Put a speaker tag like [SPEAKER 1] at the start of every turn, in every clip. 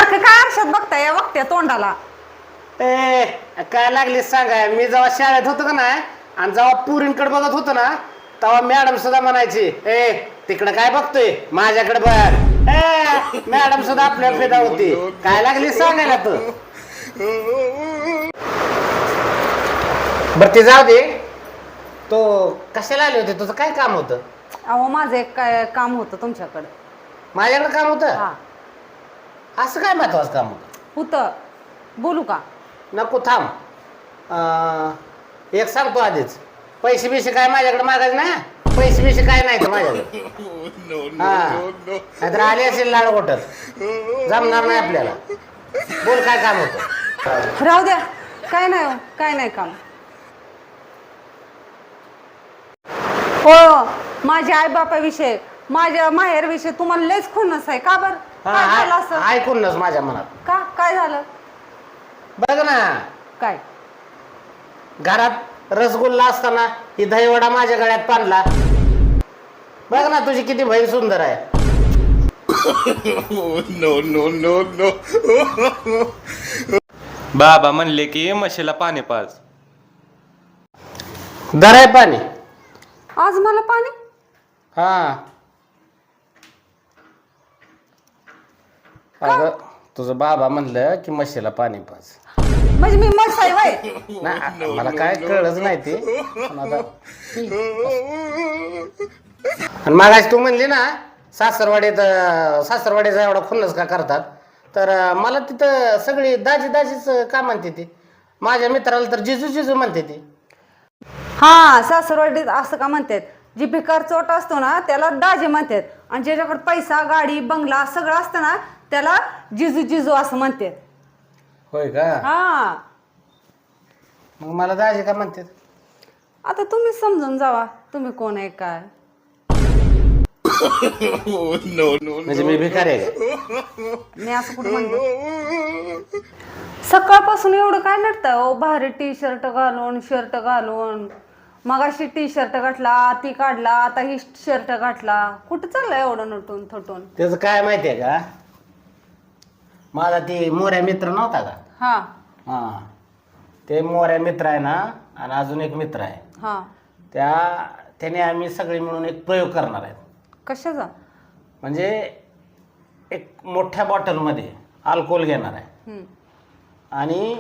[SPEAKER 1] सारखं काय आरशात बघताय बघते तोंडाला.
[SPEAKER 2] ए काय लागली सांगा, मी जेव्हा शाळेत होतो का ना आणि जेव्हा पुरींकडे बघत होतो ना तेव्हा मॅडम सुद्धा म्हणायची, ए तिकडे काय बघतोय माझ्याकडे बघ. ए मॅडम सुद्धा आपल्या फिदा होती. काय लागली सांगायला तू. बर ते जाऊ दे, तो कशाला आले होते, तुझं काय काम होतं?
[SPEAKER 1] अहो माझं एक काय काम होतं तुमच्याकडे.
[SPEAKER 2] माझ्याकडे काम होतं?
[SPEAKER 1] हा
[SPEAKER 2] असं काय महत्वाचं काम होतं?
[SPEAKER 1] होतं, बोलू का?
[SPEAKER 2] नको थांब. एक सांगतो आधीच, पैसे बिसे काय माझ्याकडे मागायचे ना. पैसे बिसे काय नाही तर माझ्याकडे. हा नाहीतर आले असेल लाड गोटत, जमणार नाही आपल्याला. बोल काय काम होतं?
[SPEAKER 1] राहू द्या, काय नाही हो, काय नाही काम. हो माझ्या आई बापाविषयी, माझ्या माहेरविषयी तुम्हाला लयच खुन्नस आहे का? बरं काय झालं असं?
[SPEAKER 2] ऐकूनच माझ्या मनात.
[SPEAKER 1] का काय झालं?
[SPEAKER 2] बघ ना,
[SPEAKER 1] काय
[SPEAKER 2] घरात रसगुल्ला असताना ही दहीवडा माझ्या गळ्यात बांधला. बघ ना तुझी किती बहीण सुंदर आहे.
[SPEAKER 3] No no no no.
[SPEAKER 4] बाबा म्हणले की म्हशीला पाणी पाज.
[SPEAKER 2] दर आहे पाणी.
[SPEAKER 1] आज मला पाणी?
[SPEAKER 2] हा अगं तुझं बाबा म्हणलं की म्हशीला पाणी पाज.
[SPEAKER 1] म्हणजे मी मस्त आहे वय?
[SPEAKER 2] नाही मला काय कळलंच नाही ते. पण आता आणि मागाशी तू म्हणली ना सासरवाडीचा एवढा खुन्नस का करतात, तर मला तिथं सगळी दाजी दाजीच का म्हणते ती. माझ्या मित्राला तर जिजू जिजू म्हणते ती.
[SPEAKER 1] हा सासरवाडीत असं का म्हणतात? जी भिकार चोट असतो ना त्याला दाजी म्हणतात, आणि ज्याच्याकडे पैसा गाडी बंगला सगळं असतं ना त्याला जिजू जिजू असं म्हणतात.
[SPEAKER 2] होय का?
[SPEAKER 1] हा
[SPEAKER 2] मग मला दाजी का म्हणतात?
[SPEAKER 1] आता तुम्ही समजून जावा तुम्ही कोण आहे काय.
[SPEAKER 3] No no.
[SPEAKER 2] म्हणजे मी भिकार आहे का?
[SPEAKER 1] मी असं कुठं म्हणतो? सकाळपासून एवढं काय नटतं ओ, भारी टी शर्ट घालून शर्ट घालून. मगाशी टी शर्ट घातला, ती काढला, आता ही शर्ट घातला. कुठं चाललंय एवढं नटून थटून?
[SPEAKER 2] त्याचं काय माहितीये का, माझा ती मोऱ्या मित्र नव्हता का?
[SPEAKER 1] हा
[SPEAKER 2] हा ते मोऱ्या मित्र आहे ना, आणि अजून एक मित्र आहे.
[SPEAKER 1] हा
[SPEAKER 2] त्याने आम्ही सगळे मिळून एक प्रयोग करणार आहेत.
[SPEAKER 1] कशाचा?
[SPEAKER 2] म्हणजे एक मोठ्या बॉटलमध्ये अल्कोहोल घेणार आहे आणि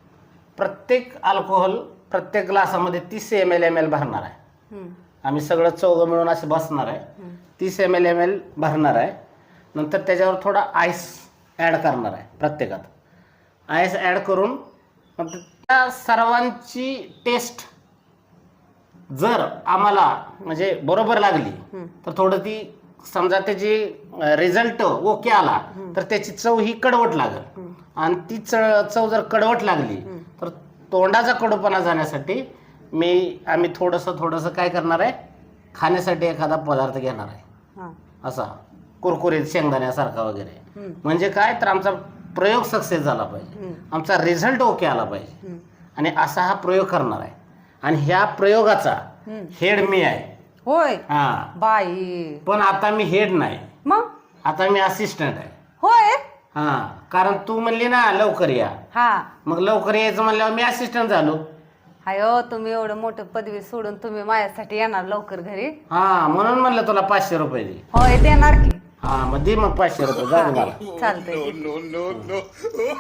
[SPEAKER 2] प्रत्येक ग्लासामध्ये 30 ml भरणार आहे. आम्ही सगळं चौघं मिळून असे बसणार आहे. 30 ml भरणार आहे. नंतर त्याच्यावर थोडा आईस ॲड करणार आहे. प्रत्येकात आईस ॲड करून मग त्या सर्वांची टेस्ट जर आम्हाला म्हणजे बरोबर लागली तर थोडं ती समजा त्याची रिझल्ट ओके आला तर त्याची चव ही कडवट लागेल. आणि ती चव जर कडवट लागली तर तोंडाचा कडूपणा जाण्यासाठी आम्ही थोडंसं काय करणार आहे, खाण्यासाठी एखादा पदार्थ घेणार आहे असा कुरकुरीत शेंगदाण्यासारखा वगैरे. म्हणजे काय तर आमचा प्रयोग सक्सेस झाला पाहिजे, आमचा रिझल्ट ओके आला पाहिजे. आणि असा हा प्रयोग करणार आहे. आणि ह्या प्रयोगाचा हेड मी आहे.
[SPEAKER 1] होय
[SPEAKER 2] हा
[SPEAKER 1] बाई.
[SPEAKER 2] पण आता मी हेड नाही,
[SPEAKER 1] मग
[SPEAKER 2] आता मी असिस्टंट आहे.
[SPEAKER 1] होय.
[SPEAKER 2] हा कारण तू म्हणली ना लवकर या,
[SPEAKER 1] हा
[SPEAKER 2] मग लवकर यायचं म्हणल्यावर मी असिस्टंट झालो.
[SPEAKER 1] हायो तुम्ही एवढं मोठं पदवी सोडून तुम्ही माझ्यासाठी येणार लवकर घरी?
[SPEAKER 2] हा म्हणून म्हणलं तुला 500 रुपये दे.
[SPEAKER 1] होय देणार की.
[SPEAKER 2] हा मग दे मग 500 रुपये. जाऊ दे मला.
[SPEAKER 1] चालतंय.
[SPEAKER 3] No no no.